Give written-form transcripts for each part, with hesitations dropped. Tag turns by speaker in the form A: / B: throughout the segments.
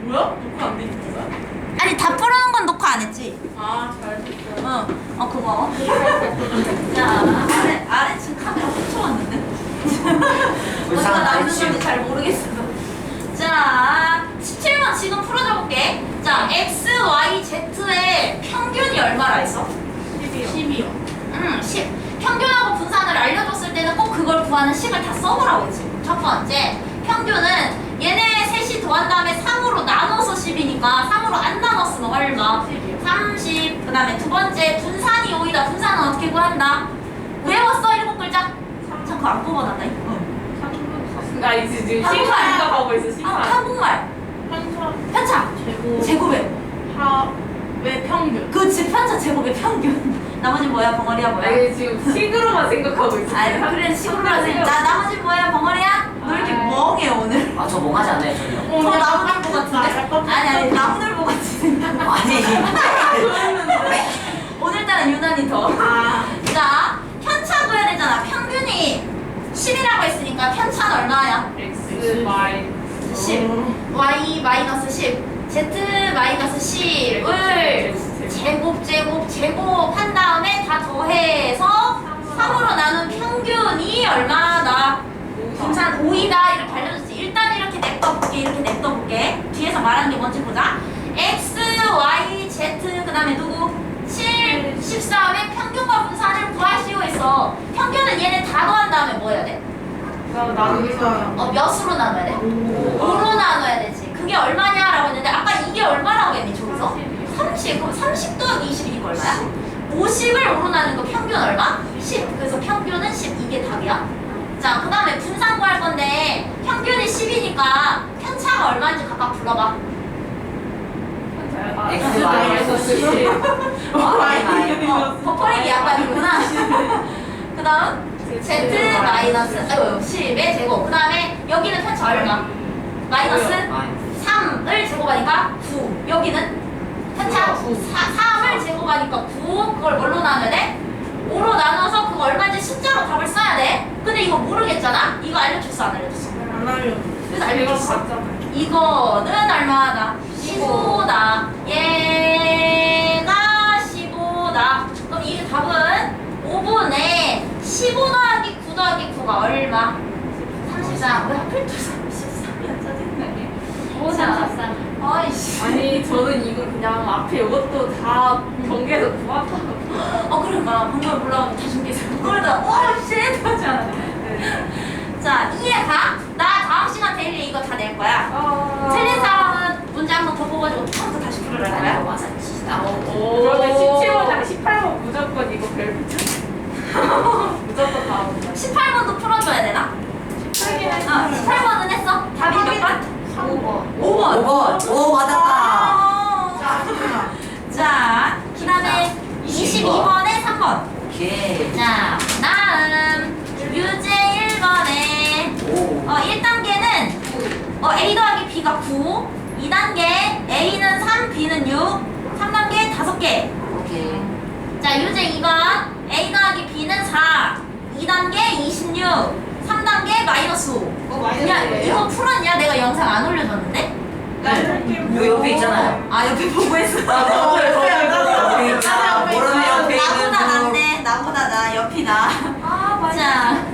A: 뭐야? 녹화 안 돼 있는 거야?
B: 아니 다 풀어놓은 건 녹화 안 했지?
A: 아, 잘 됐어.
B: 고마워. 자, 아래 지금 카메라 훔쳐왔는데? 어디가 나오는 건지 잘 모르겠어. 자, 17번 지금 풀어줘 볼게. 자, x, y, z의 평균이 얼마라 했어?
A: 10이요.
B: 10. 평균하고 분산을 알려줬을 때는 꼭 그걸 구하는 식을 다 써보라고 했지. 첫 번째, 평균은 얘네 셋이 더한 다음에 3으로 나눠서 10이니까 3으로 안 나눴으면 얼마? 30. 그 다음에 두 번째, 분산이 5이다. 분산은 어떻게 구한다? 외웠어? 7글자? 참 그거 안 뽑아놨다.
A: 나 이제 지금 시간 생각하고 있어, 시간.
B: 한국말. 편차. 제곱의.
A: 왜 평균?
B: 그치, 편차 제곱의 평균. 나머지 뭐야? 벙어리야 뭐야?
A: 아니, 지금 식으로만 생각하고 있어.
B: 아니 그래 식으로 하세요. 자 나머지 뭐야? 벙어리야? 너 이렇게 멍해 오늘.
C: 아, 저 멍하지 않아요, 전혀.
B: 더 나무늘보 같은데? 아니 나무늘보 같이 생겼어.
C: 아니.
B: 오늘따라 유난히 더. 자 편차 구해야 되잖아. 평균이 10이라고 했으니까 편차는 얼마야?
A: X, Y.
B: 10. Y 마이너스 10. Z 마이너스 10을 제곱한 다음에 다 더해서 3으로 나눈 평균이 얼마나 분산 5이다 이렇게 알려줬지. 일단 이렇게 냅둬볼게. 이렇게 냅둬볼게. 뒤에서 말하는 게 뭔지 보자. X, Y, Z 그 다음에 누구? 7, 13의 평균과 분산을 구하시오 했어. 평균은 얘네 다 더한 다음에 뭐 해야 돼? 몇으로 나눠야 돼? 5로 나눠야 되지. 그게 얼마냐라고 했는데 아까 이게 얼마라고 했니 저기서? 30. 그럼 30 더하기 20이니까 얼마야? 50을 5로 나누는 거 평균 얼마? 10. 그래서 평균은 10. 이게 답이야. 자, 그 다음에 분산 구할 건데 평균이 10이니까 편차가 얼마인지 각각 불러봐.
C: X, Y에서 10.
B: 버퍼링이 약간이구나. 그 다음 Z 마이너스 10의 제곱. 그 다음에 여기는 편차 얼마? 마이너스 3을 제곱하니까 9. 여기는 편차 3을 제곱하니까 9. 그걸 뭘로 나눠야 돼? 5로 나눠서 그거 얼마인지 숫자로 답을 써야 돼. 근데 이거 모르겠잖아? 이거 알려줬어 안 알려줬어?
A: 안 알려.
B: 그래서 알려줬어. 이거는 얼마다? 15다. 얘가 15다. 그럼 이 답은 5분의 15 더하기 9 더하기 9가 얼마? 33. 왜 하필 또 33이야? 짜증나게.
A: 33.
B: 아이씨.
A: 아니, 저는 이거 그냥 앞에 이것도 다 경계에서 구합한
B: 그러니까 방금 올라오면 다 준비해서 그러다 쉣 하지 않아. 자, 이해가? 나 다음 시간 데일리 이거 다 낼 거야. 틀린 사람은 문제 한 번 더 뽑아주고 처음부터 다시 풀어갈 거야.
A: 그러면 17번이랑 18번 무조건 이거 별표 무조건 다 온다.
B: 18번도 풀어줘야 되나? 18번은 했어? 답이 몇 번?
A: 5번.
B: 5번.
C: 5번. 오, 맞았다.
B: 자, 그 다음에 22번에 3번.
C: 오케이.
B: 자, 다음 유제 1번에 1단계는 A 더하기 B가 9, 2단계 A는 3, B는 6, 3단계 5개.
C: 오케이.
B: 자, 유제 2번 A 더하기 B는 4, 2단계 26, 3단계 마이너스 5. 야, 이거 풀었냐? 내가 영상 안 올려줬는데?
C: 요 옆에 있잖아요.
B: 아, 옆에 보고 했어.
C: 옆에 있잖아. 모르네, 옆에 있는
B: 나보다
C: 분.
B: 낫네. 나보다 나. 옆이 나.
A: 맞아.
B: 자,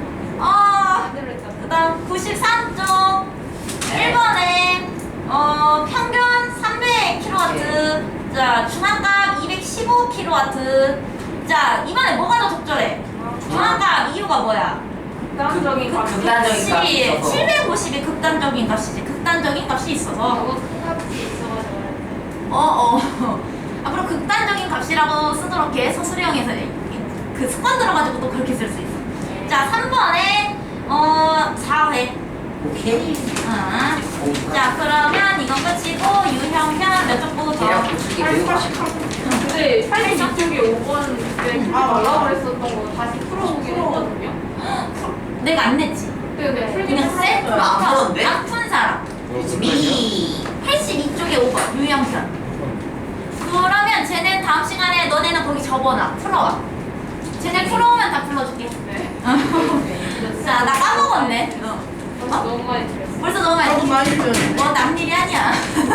B: 그 다음 93쪽 1번에 평균 300kW. 자, 중앙값 215kW. 자, 이번에 뭐가 더 적절해? 중앙값 이유가 뭐야?
A: 극단적인 값이
C: 극단적인 값이 있어서.
B: 750이 극단적인 값이지. 극단적인 값이 있어서.
A: 값이 있어가지고.
B: 앞으로 극단적인 값이라고 쓰도록 해. 서술형에서 그 습관 들어가지고 또 그렇게 쓸 수 있어. 자, 3번에 4회.
C: 오케이.
B: 자, 그러면 이건 끝이고 유형편 몇 쪽 보고 더?
C: 대략 고추기 배우고 싶어.
A: 근데 82쪽에 5번 그때 말라고 그랬었던 거 다시 풀어보긴 했거든요.
B: 내가 안 냈지.
A: 근데
B: 그냥 셀프로
C: 안 풀었는데?
B: 안푼 사람.
C: 미.
B: 82쪽에 5번 유형편. 그러면 쟤는 다음 시간에 너네는 거기 접어놔. 풀어와. 쟤네 풀어오면 다 불러줄게.
A: 네.
B: 자, 나 까먹었네.
A: 너무 많이 들었어.
B: 벌써 너무 많이.
D: 너무 많이 들었네.
B: 뭐 남일이 아니야.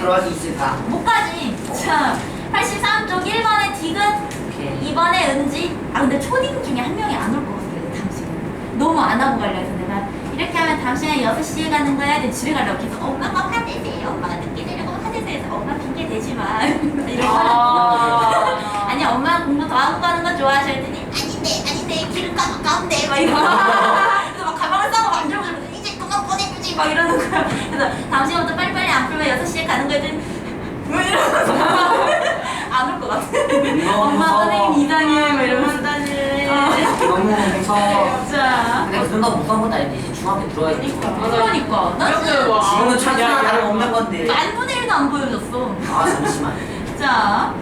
C: 들어갈 수 있을까?
B: 못 가지. 자, 83쪽 1번에 디귿,
C: 오케이.
B: 2번에 은지. 아 근데 초딩 중에 한 명이 안 올 것 같아요. 당신은 너무 안 하고 가려 해서 내가 이렇게 하면 당신은 6시에 가는 거야. 근데 집에 가려고 해서 엄마가 화내세요. 엄마가 늦게 내려고 화내세요. 엄마 핑계 대지 마. 이러고 아니 엄마는 공부 더 하고 가는 거 좋아하셔 했더니 아닌데 길은 가까운데 막 이러고 그래서 막 가방을 싸고 막 들고 이제 그만 보내주지 막 이러는 거야. 그래서 당신부터 빨리빨리 안 풀면 6시에 가는 거 했더니 뭐 이러면서 안 올 것 같아. 엄마 선생님 이상해 막 이러면서
C: 너무 무서워.
B: 자
C: 근데 그 정도 무서운 것도 아니지. 중학교 들어야 되니까.
B: 그러니까 나 진짜
C: 지금은 천사나 다름없는 건데.
B: 만분의 1도 안 보여줬어.
C: 아 잠시만.
B: 자,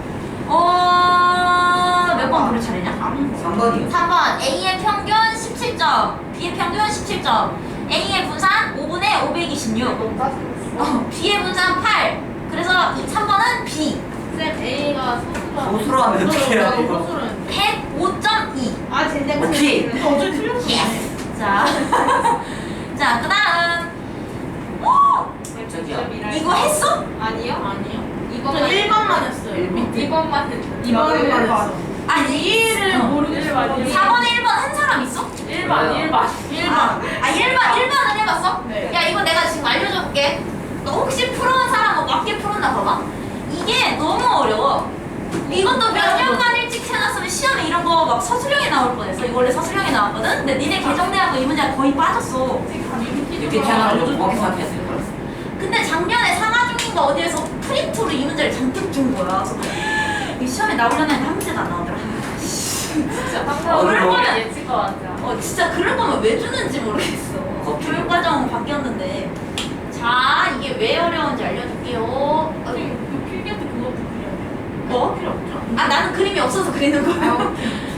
B: 몇 번 부를 차례냐?
C: 3번이요.
B: 3번 A의 평균 17점, B의 평균 17점. A의 분산 5분의 526, B의 분산 8. 그래서 3번은 B.
A: 쌤 A가
C: 소수로 하면 어떻게 해야 돼, 이거?
B: 105.2.
A: 아 젠장.
C: 오케이.
A: 어제 틀렸어.
B: 자, 자, 그다음. 오,
C: 저기요.
B: 이거 했어?
A: 아니요.
D: 저 1번만 했어요.
A: 2번만 했죠.
D: 2번만 했어.
B: 아니
A: 이해를 모르겠어.
B: 4번에 1번 한 사람 있어?
A: 1번.
B: 아 1번은 해봤어?
D: 네.
B: 야 이거 내가 지금 알려줄게. 너 혹시 풀어온 사람 뭐 맞게 풀었나 봐봐. 이게 너무 어려워. 이것도 몇 년간 일찍 해놨으면 시험에 이런 거 막 서술형에 나올 뻔했어. 이거 원래 서술형에 나왔거든? 근데 니네 개정대하고 이 문제가 거의 빠졌어.
C: 이렇게 태어나면 정확히 생각했을 거야.
B: 근데 작년에 상하중인가 어디에서 프린트로 이 문제를 잔뜩 준 거야. 그래서 이 시험에 나오려나 했는데 한 문제도 안 나오더라.
A: 진짜
C: 어려워.
A: 그럴 거면 예측 것 같아.
B: 진짜 그럴 거면 왜 주는지 모르겠어.
C: 겁주네.
B: 교육과정 바뀌었는데. 자, 이게 왜 어려운지 알려줄게요.
D: 필기한테 그것도 그려야 돼요.
B: 뭐?
D: 필요 없죠.
B: 아, 나는 그림이 없어서 그리는 거야.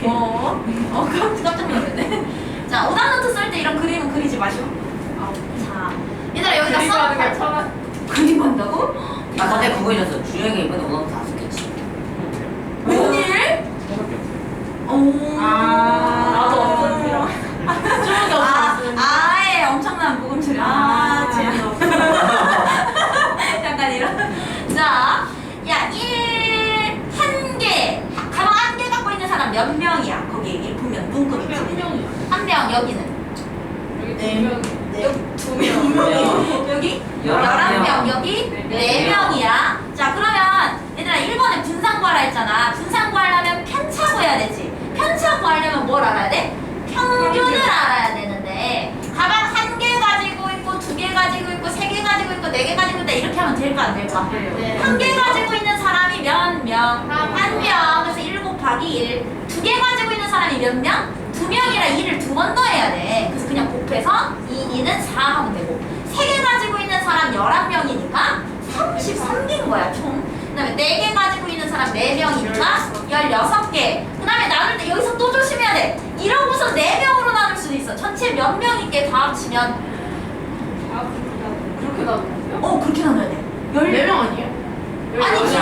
B: 깜짝 놀랐네. 자, 오답노트 쓸 때 이런 그림은 그리지 마시오. 자, 얘들아 여기다
A: 그리고 게
B: 써.
A: 천원.
B: 그림 한다고?
C: 나 근데 그거 잊었어. 주영이 이번에 오늘 다 썼겠지.
B: 웬일?
A: 나도 없어 필요.
D: 주먹이 없어.
B: 아예 엄청난 모금처리. 재미없어. 약간 이런. 자, 야, 1, 1개. 가방 1개 갖고 있는 사람 몇 명이야? 거기 이렇게 보면 문구 있지. 한 명, 여기는.
A: 여기
D: 네.
A: 2명.
B: 여기 2명. 여기 11명. 여기
A: 네.
B: 4명이야. 자, 그러면 얘들아 1번에 분산 구하라 했잖아. 분산 구하려면 편차 구해야 되지. 편차 구하려면 뭘 알아야 돼? 평균을 알아야 되는데 가방 1개 가지고 있고 2개 가지고 있고 3개 가지고 있고 4개 가지고 있다 이렇게 하면 될까 안 될까?
A: 네.
B: 1개 가지고 있는 사람이 몇 명?
A: 한
B: 1명. 그래서 1 곱하기 1. 2개 가지고 있는 사람이 몇 명? 2명이라 2를 2번 더해야 돼. 그래서 그냥 곱해서 2는 4 하면 되고 3개 가지고 있는 사람 11명이니까 33개인 거야 총. 그 다음에 4개 가지고 있는 사람 4명이니까 16개. 그 다음에 나눌 때 여기서 또 조심해야 돼. 이러고서 4명으로 나눌 수도 있어. 전체 몇 명이게 다 합치면
A: 그렇게 나왔어요?
B: 그렇게 나눠야 돼.
D: 4명 아니에요?
B: 아니지.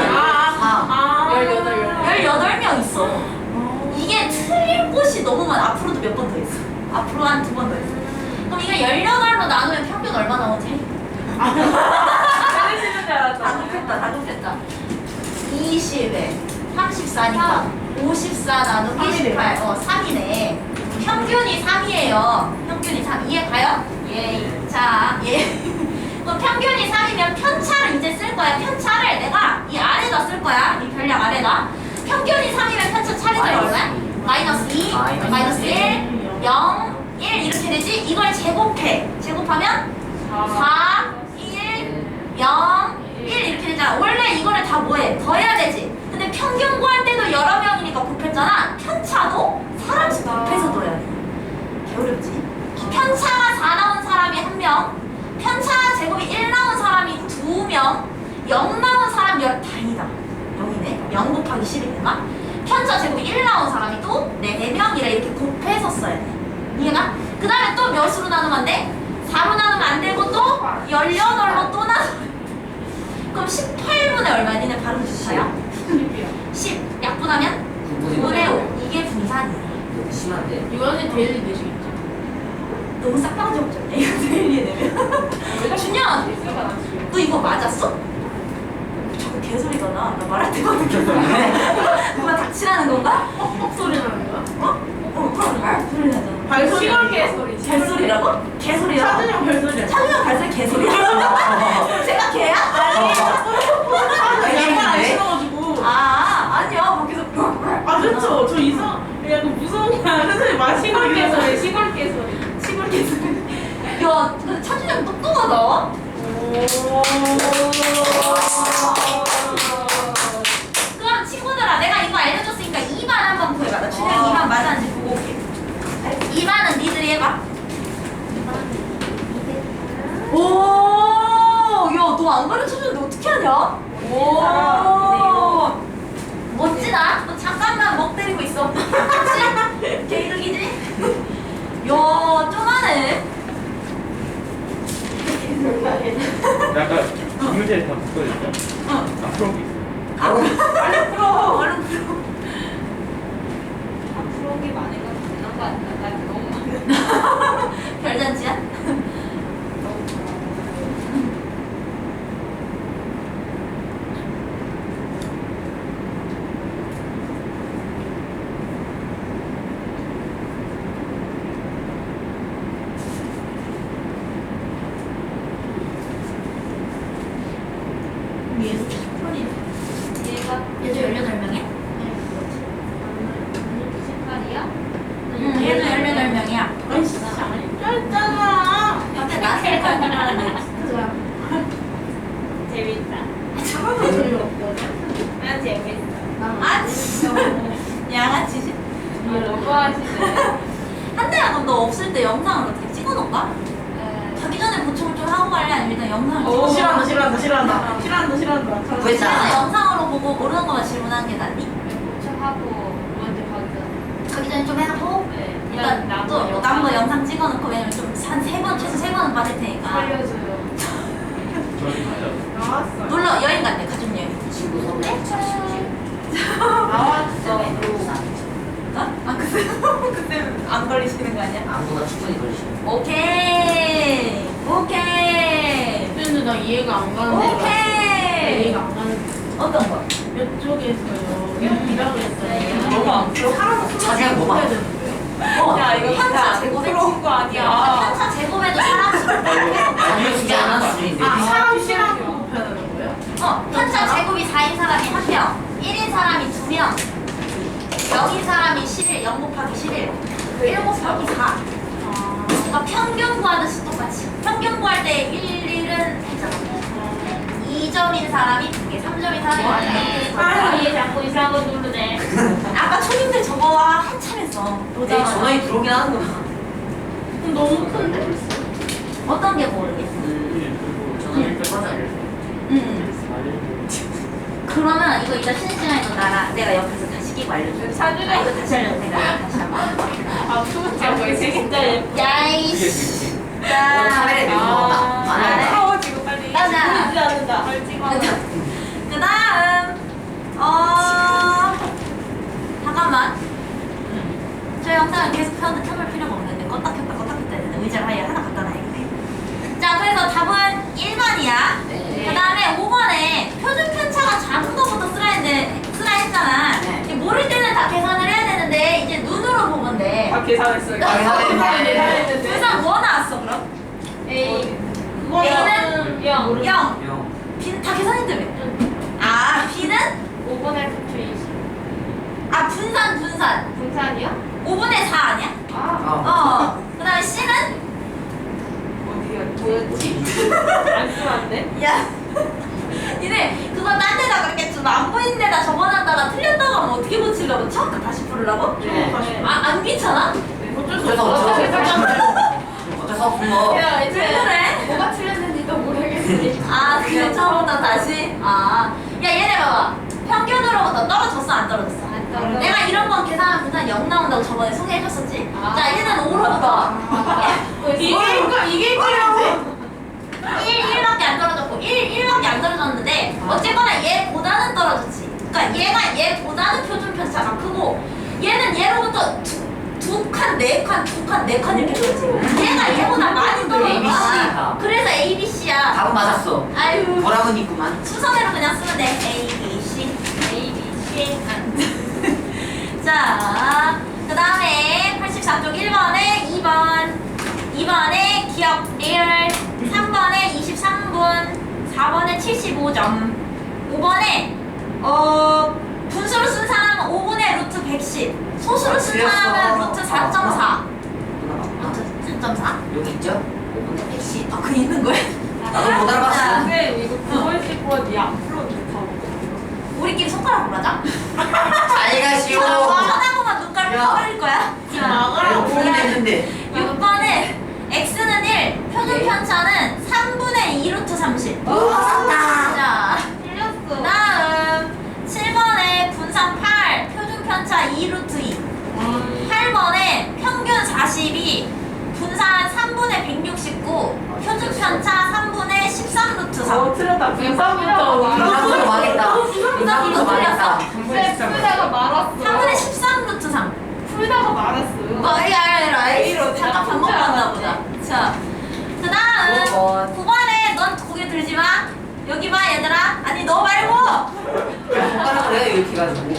B: 18명 있어. 이게 틀릴 곳이 너무 많아. 앞으로도 몇 번 더 있어. 앞으로 한 2번 더 있어. 그럼 이거 18로 나누면 평균 얼마 나오지?
A: 해주시는 줄
B: 다
A: 알았잖아.
B: 곱했다, 다 곱했다. 20에 34니까 54 나누기 18. 3이네. 평균이 3이에요. 평균이 3. 이해 가요? 예. 자, 예. 그럼 평균이 3이면 편차를 이제 쓸 거야. 편차를 내가 이 아래다 쓸 거야. 이 별량 아래다. 평균이 3이면 편차 차례가 얼마야? 마이너스 2, 마이너스 1, 0, 1 이렇게 되지? 이걸 제곱해. 제곱하면 4, 1, 0, 1 이렇게 되잖아. 원래 이거를 다 뭐해? 더해야 되지. 근데 평균 구할 때도 여러 명이니까 곱했잖아. 편차도 사람씩 곱해서 더해야 돼. 개어렵지? 편차가 4 나온 사람이 1명, 편차 제곱이 1 나온 사람이 2명, 0 나온 사람 다행이다. 0이네. 0 곱하기 10이 되나? 편차 제곱이 1 나온 사람이 또 4명이라 이렇게 곱해서 써야 돼. 이해가? 그 다음에 또 몇으로 나누면 안 돼? 4로 나누면 안 되고 또 18로 또 나누면 돼. 그럼 18분의 얼마야? 니네 발음 좋다요? 10 약분하면 9분의 5. 이게 분산이야.
C: 너무 심한데?
D: 이거는 데일리 되시겠죠?
B: 너무 싹바가지 없잖아. 이거 데일리 내면. 준현! 너 이거 맞았어? 그 개소리잖아. 나 말할 때마다 개소리네. 그만 닥치라는 건가?
D: 소리 나는 거야?
B: 그럼 소리 나잖아.
D: 발소리.
A: 시골 개소리.
B: 개소리라고? 개소리라고?
D: 차준형 발소리야.
B: 차준형 발소리 개소리야? 제가 개야? 아니.
D: 양말 안 신어가지고.
B: 아니요. 거기서
D: 아 그렇죠. 저 이상 약간 무서운 게 아니라 선생님 말
A: 시골 개소리.
D: 시골
A: 시골 개소리.
B: 시골 개소리. 야, 근데 차준형 똑똑하다. 그럼 친구들아, 내가 이거 알려줬으니까 2만 한번 구해봐. 나 준영이 2만 맞았는지 보고 올게. 2만은 니들이 해봐. 오, 야, 너 안 가르쳐줬는데 어떻게 하냐? 오, 멋지다. 너 잠깐만 멍 때리고 있어. 그치? 개이득이지? 야, 좀 하네.
E: 약간 이문제 다 묶어졌죠? 앞으로
B: 얼른 풀어, 얼른 풀어.
A: 프로기 많은 건 되는 거 아닌가? 나 너무 많아.
B: 별잔치야?
A: 얘가
B: 얘도 18명이야?
A: 신발이야?
B: 응, 얘도 18명이야.
D: 아이씨 안 짧잖아.
B: 근데 나 제일 건강하네.
A: 재밌다.
D: 하나도 재미없거든.
A: 난 재밌어.
B: 아, 진짜. 양아치.
A: 너무 하시네.
B: 한대야, 그럼 너 없을 때 영상을 어떻게 찍어놓을까? 가기 전에 보충을 좀 하고 갈래? 아니면 일단 영상을
A: 오,
B: 찍어?
D: 싫어한다.
C: 왜 짜?
B: 그래서 영상으로 보고 모르는 것만 질문하는 게 낫니?
A: 도착하고 먼저 가기 전에.
B: 가기 전에 좀 해놓고
A: 네.
B: 일단 또 남은 거 영상 찍어놓고 왜냐면 좀 한 3번, 최소 3번은 빠질 테니까
A: 살려줘요.
E: 저희 가요.
D: 나왔어.
B: 놀러 여행 갔네, 가족여행.
C: 친구 선배.
A: 나왔어.
B: 어? 아, 그때 안 걸리시는 거 아니야?
C: 아무거나 충분히 걸리시네.
B: 오케이
D: 근데 나 이해가 안 가는데.
B: 오케이
D: 이해가 안 가는데.
B: 어떤 거?
D: 이쪽에서요. 이라고 했어요.
B: 너무 안 풀어?
C: 자기가 뭐 봐?
A: 야, 이거
B: 편차
A: 제곱
B: 제곱해.
A: 친구 아니야.
B: 편차 제곱해도 사람 수
C: 자기 주제 하나 수준인데.
D: 사람 싫어하고 곱하는 거예요?
B: 편차 제곱이 4인 사람이 1명, 1인 사람이 2명, 0인 사람이 11, 0 곱하기 11, 1 곱하기 4. 그러니까 평균 구하듯이 똑같이. 평균 구할 때 1, 1은 했잖아. 2점인 사람이 2개, 3점인 사람이 1개.
A: 사람이 자꾸 이상한 거 누르네.
B: 아까 초딩들 저거 한참 했어.
C: 내 전화기 들어오긴 하는구나.
D: 그럼 너무 큰데?
B: 어떤 게 모르겠어.
C: 전화기 꺼져.
B: 그러면 이거 이따 쉬는 시간에 너 나랑 내가 옆에서 다시 끼고 알려줘.
A: 사주가
B: 이거 다시 알려줘. 내가 다시 한번.
A: 아, 투자 뭐 진짜 예뻐.
B: 야이씨.
C: 카메라에 내고 먹었다.
B: 아,
C: 안 해.
A: 무서워 지금 빨리.
B: 가자.
A: 보이지 않는다. 걸 찍어.
B: 그 다음 잠깐만. 저 영상을 계속 켜볼 필요가 없는데 껐다 켰다 껐다 켰다 해야 되는데 의자를 아예 하나 갖다 놔야겠네. 자, 그래서 답은 1번이야.
C: 네.
B: 그 다음에 5번에 표준 편차가 작은 거부터 쓰라 했잖아.
C: 네.
B: 이게 모를 때는 다 계산을 해야 되는데 이제 눈으로 보면 돼.
A: 다 계산했어. 이거.
C: 계산했네.
B: 그래서 뭐 나왔어 그럼?
A: A.
B: A는
A: 0.
B: 0.
C: 영.
B: B는 다 계산했다며. 아, B는
A: 5분의 부추 20.
B: 분산.
A: 분산이야?
B: 5분의 4 아니야?
A: 아.
B: 그 다음에 C는?
A: 어디야? 뭐였지? 안 쓰면 안 돼?
B: 야, 니네 그거 딴 데다 그랬겠지. 안 보이는 데다 적어놨다가 틀렸다고 하면 어떻게 고치려고? 처음부터 다시 부르려고?
C: 네.
B: 안 귀찮아?
D: 어쩔 수
C: 그래서
D: 없어.
C: 어쩔 수 없은 거.
A: 야,
B: 왜 그래?
A: 뭐가 틀렸는지도 모르겠으니.
B: 아, 그래 처음부터 다시? 야, 얘네 봐봐. 평균으로부터 떨어졌어, 안 떨어졌어?
A: 안 떨어졌어.
B: 내가 이런 건 계산하면 분산 0 나온다고 저번에 소개해줬었지?
A: 아.
B: 자, 얘는 5로부터
D: 이게 이거였는데?
B: 1밖에 안 떨어졌고 1밖에 안 떨어졌는데 어쨌거나 얘보다는 떨어졌지. 그러니까 얘가 얘보다는 표준 편차가 크고 얘는 얘로부터 두 두 칸, 네 칸, 두 칸, 네 칸 이렇게 들었지. 얘가 얘보다 많이 들어.
C: ABC다.
B: 그래서 ABC야.
C: 답은 맞았어.
B: 아유.
C: 뭐라고 있구만.
B: 순서대로 그냥 쓰면 돼. A, B, C, A, B, C. 자, 그 다음에 84쪽 1번에 2번에 기억 리얼, 3번에 23분, 4번에 75점, 5번에 분수로 쓴 사람은 5분의 루트 110, 소수로 쓴
C: 틀렸어.
B: 사람은 루트 4.4.
C: 누나,
B: 루트 4.4?
C: 여기 있죠? 5분
B: 110. 아, 그 있는 거야?
C: 나도 못 알아봤어.
A: 근데 이거 9월 10번 니안 풀어도 다
B: 우리끼리 손가락으로 하자.
C: 잘 가시오.
B: 쳐다보면 눈깔
C: 야.
B: 퍼버릴 거야.
C: 내가 보긴 했는데.
B: 6번에 x는 1, 표준 편차는 3분의 2 루트 30.
C: 오,
B: 자,
A: 틀렸어.
B: 다음 7번에 분산 8, 표준 편차 2 루트 2. 8번에 평균 42, 분산 3분의 169, 표준 편차 3분의 13 루트 3.
D: 틀렸다. 분산부터.
C: 분산부터 망했다. 분산부터 망했다.
A: 풀다가 말았어.
B: 3분의 13 루트 3.
A: 풀다가 말았어요.
B: A로 잠깐 반복한다 보다. 자, 그 다음
C: 5번.
B: 9번에 넌 고개 들지 마. 여기 봐 얘들아. 아니 너 말고.
C: 손가락을 내가 이렇게 해가지고.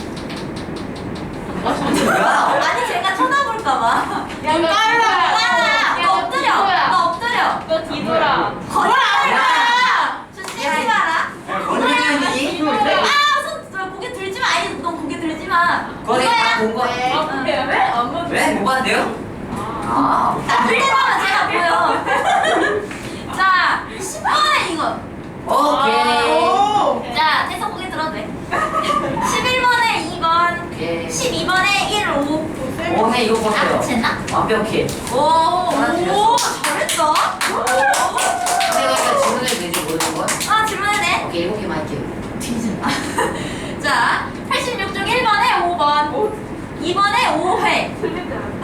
C: 뭐야?
B: 아니 제가 쳐다볼까 봐.
A: 빨라.
B: 너 엎드려. 너 엎드려.
A: 너 뒤돌아.
B: 거짓말이야. 좀 쉬지 마라.
C: 거짓말이니?
B: 아손 고개 들지 마. 아니 너 고개 들지 마.
C: 거기
B: 이거야.
C: 다본 거.
A: 아, 그래? 왜? 안 맞
C: 왜? 뭐 봤는데요? 아.
B: 자, 흘리면 제가 보여. 자, 10번에 이거.
C: 오케이.
B: 자, 대서 고개 들어도 돼. 11번에 2번.
C: 오케이.
B: 12번에 1, 5.
C: 오네 이거
B: 아,
C: 보세요.
B: 됐나?
C: 완벽해.
B: 오,
C: 틀렸어.
B: 잘했어.
C: 내가 이거 질문해도 되지 모르는 건?
B: 아, 질문해도 돼?
C: 오케이 7개만 할게요.
B: 뒤진다. 자, 86쪽 1번에 5번. 2번에 5회.
A: 틀리지 않았어.